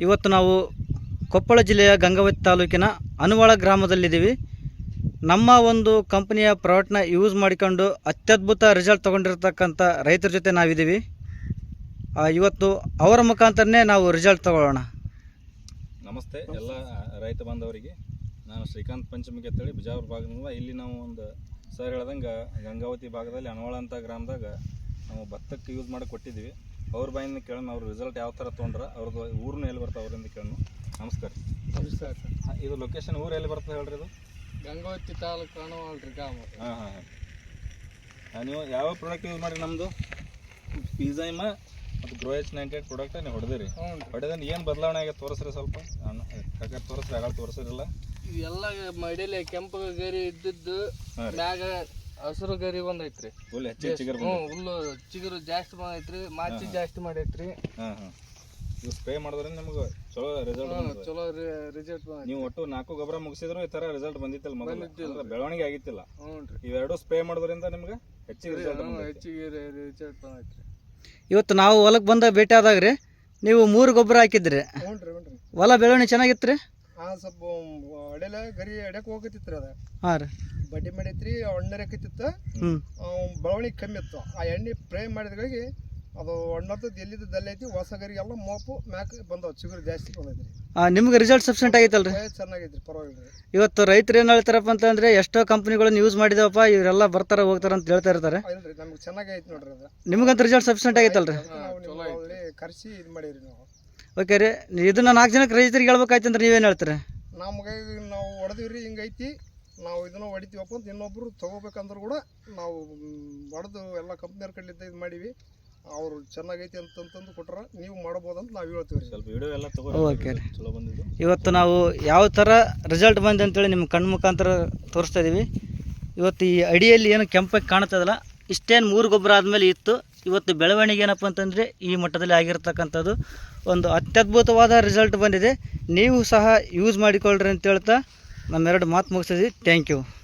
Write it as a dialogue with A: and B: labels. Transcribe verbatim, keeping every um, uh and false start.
A: ಇವತ್ತು ನಾವು ಕೊಪ್ಪಳ ಜಿಲ್ಲೆಯ ಗಂಗಾವತಿ ತಾಲೂಕಿನ ಅನುವಾಳ ಗ್ರಾಮದಲ್ಲಿದ್ದೀವಿ. ನಮ್ಮ ಒಂದು ಕಂಪನಿಯ ಪ್ರಾಡಕ್ಟ್ನ ಯೂಸ್ ಮಾಡಿಕೊಂಡು ಅತ್ಯದ್ಭುತ ರಿಸಲ್ಟ್ ತೊಗೊಂಡಿರ್ತಕ್ಕಂಥ ರೈತರ ಜೊತೆ ನಾವಿದ್ದೀವಿ. ಇವತ್ತು ಅವರ ಮುಖಾಂತರನೇ ನಾವು ರಿಸಲ್ಟ್ ತಗೊಳ್ಳೋಣ.
B: ನಮಸ್ತೆ ಎಲ್ಲ ರೈತ ಬಾಂಧವರಿಗೆ. ನಾನು ಶ್ರೀಕಾಂತ್ ಪಂಚಮಿಗೆ ಅಂತೇಳಿ ಬಿಜಾಪುರ ಭಾಗದಿಂದ. ಇಲ್ಲಿ ನಾವು ಒಂದು ಸರ್ ಹೇಳ್ದಂಗೆ ಗಂಗಾವತಿ ಭಾಗದಲ್ಲಿ ಅನುವಾಳ ಅಂತ ಗ್ರಾಮದಾಗ ನಾವು ಭತ್ತಕ್ಕೆ ಯೂಸ್ ಮಾಡಿ ಕೊಟ್ಟಿದ್ದೀವಿ. ಅವ್ರ ಬಾಯಿಂದ ಕೇಳೋಣ ಅವ್ರ ರಿಸಲ್ಟ್ ಯಾವ ಥರ ತೊಗೊಂಡ್ರೆ, ಅವ್ರದ್ದು ಊರನ್ನ ಎಲ್ಲಿ ಬರ್ತದೆ ಅವರಿಂದ ಕೇಳೋಣ. ನಮಸ್ಕಾರ.
C: ನಮಸ್ಕಾರ ಸರ್.
B: ಇದು ಲೊಕೇಶನ್ ಊರು ಎಲ್ಲಿ ಬರ್ತದೆ ಹೇಳ್ರಿ? ಇದು
C: ಗಂಗಾವತಿ ತಾಲೂಕು ಅನುವಾಳ ರೀ ಗ್ರಾಮ.
B: ಹಾಂ ಹಾಂ ಹಾಂ ನೀವು ಯಾವ ಪ್ರಾಡಕ್ಟ್ ಯೂಸ್ ಮಾಡಿ? ನಮ್ಮದು ಪಿಝೈಮ ಮತ್ತು grow H ninety eight product ನೀವು ಹೊಡೆದಿರಿ. ಹೊಡೆದ್ರೆ ಏನು ಬದಲಾವಣೆ ಆಗಿದೆ ತೋರಿಸ್ರಿ ಸ್ವಲ್ಪ. ನಾನು ಯಾಕಂದ್ರೆ ತೋರಿಸ್ರಿ ಆಗ ತೋರಿಸಿರಲ್ಲ.
C: ಇವೆಲ್ಲ ಮಡಿಲಿ ಕೆಂಪು ಗರಿ ಇದ್ದಿದ್ದು ಮ್ಯಾಗ ಹಸಿರು ಗರಿ ಬಂದೈತ್ರಿ.
B: ಫುಲ್ ಹೆಚ್ಚಿಗೆ ಚಿಗುರು.
C: ಹ್ಞೂ ಹುಲ್ಲು ಚಿಗುರು ಜಾಸ್ತಿ ಬಂದೈತ್ರಿ, ಮಾಚಿ ಜಾಸ್ತಿ ಮಾಡೈತ್ರಿ.
B: ಹಾಂ ಹಾಂ ಇದು ಸ್ಪ್ರೇ ಮಾಡೋದ್ರಿಂದ ನಿಮ್ಗೆ ಚಲೋ ರಿಸಲ್ಟ್
C: ಚಲೋ ರಿಸಲ್ಟ್ ಬಂದ.
B: ನೀವು ಒಟ್ಟು ನಾಲ್ಕು ಗೊಬ್ಬರ ಮುಗಿಸಿದ್ರು ಈ ಥರ ರಿಸಲ್ಟ್ ಬಂದಿತ್ತಲ್ಲ, ಮೊದಲು ಬೆಳವಣಿಗೆ ಆಗಿತ್ತಿಲ್ಲ.
C: ಹ್ಞೂ ರೀ.
B: ಇವೆರಡು ಸ್ಪ್ರೇ ಮಾಡೋದ್ರಿಂದ ನಿಮ್ಗೆ ಹೆಚ್ಚಿಗೆ ರಿಸಲ್ಟ್
C: ಹೆಚ್ಚಿಗೆ ರಿಸಲ್ಟ್ ಬಂದೈತ್ರಿ.
A: ಇವತ್ತು ನಾವು ಹೊಲಕ್ಕೆ ಬಂದ ಭೇಟಿ ಆದಾಗ ರೀ ನೀವು ಮೂರು ಗೊಬ್ಬರ ಹಾಕಿದ್ರಿ.
C: ಹ್ಞೂ ರೀ. ಹ್ಞೂ ರೀ.
A: ಹೊಲ ಬೆಳವಣಿಗೆ ಚೆನ್ನಾಗಿತ್ತು ರೀ.
C: ಹಾಂ ಸ್ವಲ್ಪ ಅಡೆಲ್ಲ ಗರಿ ಎಡಕ್ಕೆ ಹೋಗತ್ತಿತ್ತು ರೀ. ಅದ
A: ಹಾಂ ರೀ
C: ಬಡ್ಡಿ ಮಾಡೈತ್ರಿ, ಹಣ್ಣರಕತ್ತಿತ್ತು.
A: ಹ್ಞೂ
C: ಬೆಳವಣಿಗೆ ಕಮ್ಮಿ ಇತ್ತು. ಆ ಎಣ್ಣೆ ಸ್ಪ್ರೇ ಮಾಡಿದ್ಗಳಿಗೆ ಅದು ಹಣ್ಣತ್ತದ್ದು ಎಲ್ಲಿದ್ದು ದಲ್ಲೈತಿ. ಹೊಸ ಗರಿಗೆಲ್ಲ ಮೋಪು ಮ್ಯಾಕ್ ಬಂದವು, ಚಿಗುರು ಜಾಸ್ತಿ ಬಂದೈತ್ರಿ.
A: ನಿಮ್ಗೆ ರಿಸಲ್ಟ್ ಸಫಿಷಿಯೆಂಟ್ ಆಗೈತಲ್ಲ ರೀ?
C: ಚೆನ್ನಾಗೈತ್ರಿ, ಪರವಾಗಿಲ್ಲ.
A: ಇವತ್ತು ರೈತರು ಏನು ಹೇಳ್ತಾರಪ್ಪ ಅಂತಂದರೆ ಎಷ್ಟೋ ಕಂಪ್ನಿಗಳನ್ನ ಯೂಸ್ ಮಾಡಿದವಪ್ಪ, ಇವರೆಲ್ಲ ಬರ್ತಾರೆ ಹೋಗ್ತಾರೆ ಅಂತ ಹೇಳ್ತಾ ಇರ್ತಾರೆ.
C: ಇಲ್ರಿ, ನಮ್ಗೆ ಚೆನ್ನಾಗೈತೆ ನೋಡ್ರಿ. ಅದು
A: ನಿಮಗಂತ ರಿಸಲ್ಟ್ ಸಫಿಷಿಯೆಂಟ್ ಆಗೈತಲ್ಲ ರೀ?
C: ಕರ್ಸಿ ಇದು ಮಾಡೀವಿ ನಾವು.
A: ಓಕೆ ರೀ. ಇದನ್ನ ನಾಲ್ಕು ಜನಕ್ಕೆ ರೈತರಿಗೆ ಹೇಳ್ಬೇಕಾಯ್ತು ಅಂದ್ರೆ ನೀವೇನು ಹೇಳ್ತೀರಿ?
C: ನಮ್ಗೆ ನಾವು ಹೊಡೆದಿವ್ರಿ, ಹಿಂಗೈತಿ, ನಾವು ಇದನ್ನು ಹೊಡಿತೀವಪ್ಪ ಅಂತ ಇನ್ನೊಬ್ರು ತೊಗೋಬೇಕಂದ್ರೆ ಕೂಡ ನಾವು ಹೊಡೆದು ಎಲ್ಲ ಕಂಪ್ನಿಯವ್ರ ಕಡೆಯಿಂದ ಇದು ಮಾಡೀವಿ. ಅವರು ಚೆನ್ನಾಗೈತಿ ಅಂತಂತಂದು ಕೊಟ್ರ ನೀವು ಮಾಡ್ಬೋದಂತ ನಾವು ಹೇಳ್ತೀವಿ.
B: ಸ್ವಲ್ಪ ವಿಡಿಯೋ ಎಲ್ಲ ತಗೋ.
A: ಓಕೆ ರೀ.
B: ಚಲೋ ಬಂದಿದ್ದು.
A: ಇವತ್ತು ನಾವು ಯಾವ ಥರ ರಿಸಲ್ಟ್ ಬಂದೆ ಅಂತೇಳಿ ನಿಮ್ಮ ಕಣ್ಣು ಮುಖಾಂತರ ತೋರಿಸ್ತಾ ಇದ್ದೀವಿ. ಇವತ್ತು ಈ ಅಡಿಯಲ್ಲಿ ಏನು ಕೆಂಪಾಗಿ ಕಾಣ್ತದಲ್ಲ, ಇಷ್ಟೇನು ಮೂರು ಗೊಬ್ಬರ ಆದಮೇಲೆ ಇತ್ತು. ಇವತ್ತು ಬೆಳವಣಿಗೆ ಏನಪ್ಪ ಅಂತಂದರೆ ಈ ಮಟ್ಟದಲ್ಲಿ ಆಗಿರ್ತಕ್ಕಂಥದ್ದು ಒಂದು ಅತ್ಯದ್ಭುತವಾದ ರಿಸಲ್ಟ್ ಬಂದಿದೆ. ನೀವು ಸಹ ಯೂಸ್ ಮಾಡಿಕೊಳ್ಳ್ರಿ ಅಂತ ಹೇಳ್ತಾ ನಮ್ಮೆರಡು ಮಾತು ಮುಗಿಸಿದ್ವಿ. Thank you.